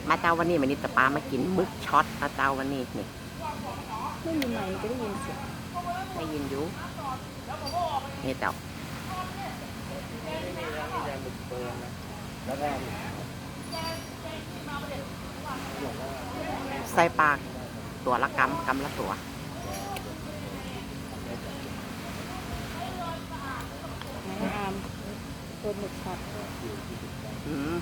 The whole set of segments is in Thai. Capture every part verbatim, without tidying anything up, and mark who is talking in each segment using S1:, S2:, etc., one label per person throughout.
S1: มาเจ้าวันนี้มันนี่จะปลามากินมึกช็อตนะเจ้าวันนี้นี่
S2: ไม่มีไมค์มันก็ได้ยินเสียง
S1: ได้ยินอยู่นี่เจ้าใส่ปลาตัวละกำกำละตัว
S2: ไม้อามตัวหมึกช็อต
S1: อืม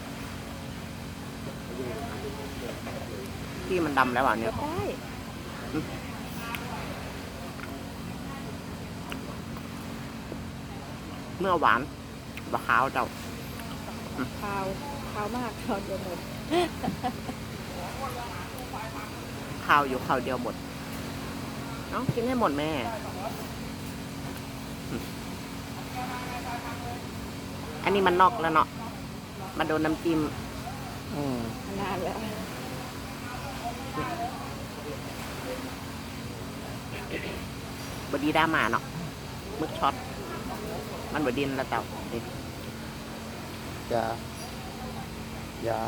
S1: ที่มันดำแล้วอ่ะเนี่ย
S2: ก็ได้
S1: เมื่อหวานบะขาวเจ้า
S2: คาวคาวมากคาวเดียวหมด
S1: ข้าวอยู่ข้าวเดียวหมดเอ้ากินให้หมดแม่อืมอันนี้มันนอกแล้วเนาะมาโดนน้ำจิ้ม
S3: อืม
S2: นานแล้ว
S1: บดีด้ามาเนาะมึกช็อตมันบดินแล้วเจ้านี่
S3: ยา ยา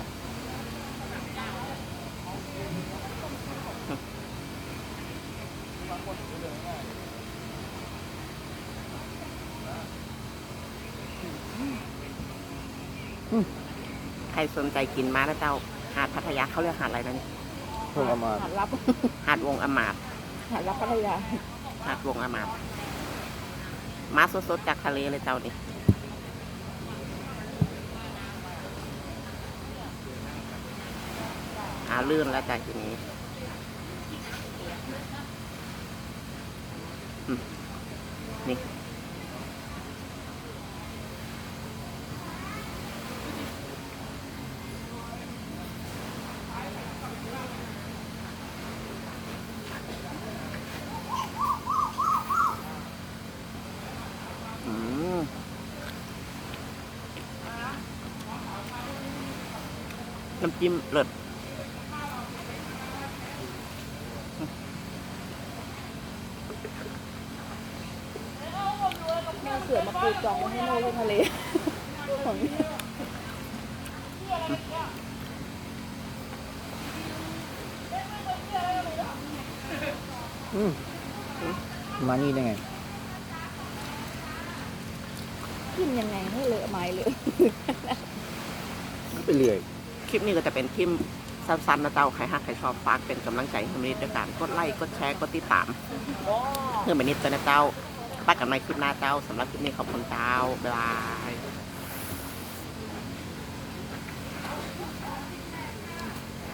S1: ใครสนใจกินมานะเจ้าหาดพัทยาเขาเรียกหาดอะไรนะนี่
S3: เพิ่งเอามา
S2: หาดรับ
S1: หาดวงอมาตย์
S2: หาดรับพัทยา
S1: หาดวงอมาตย์มาสดๆจากทะเลเลยเจ้านี่หาลื่นแล้วจากทีนี้อืมนี่อืมน้ำจิ้มเลิศ
S2: แม่เสือมาปูจองไว้ให้โน่ที่ทะเลของ
S3: อืมมานี่ได้ไง
S2: กินยังไงให้เลอะไม้เลย
S3: ไปเรื่อย
S1: คลิปนี้ก็จะเป็นคลิปสั้นๆนะเจ้าใครฮักใครชอบฝากเป็นกำลังใจให้มินิดด้วยการกดไลค์กดแชร์กดติดตามเพื่อมินิดจะนะเจ้าป้ากันในคลิปหน้าเจ้าสำหรับคลิปนี้ขอบคุณเจ้าบ๊ายบาย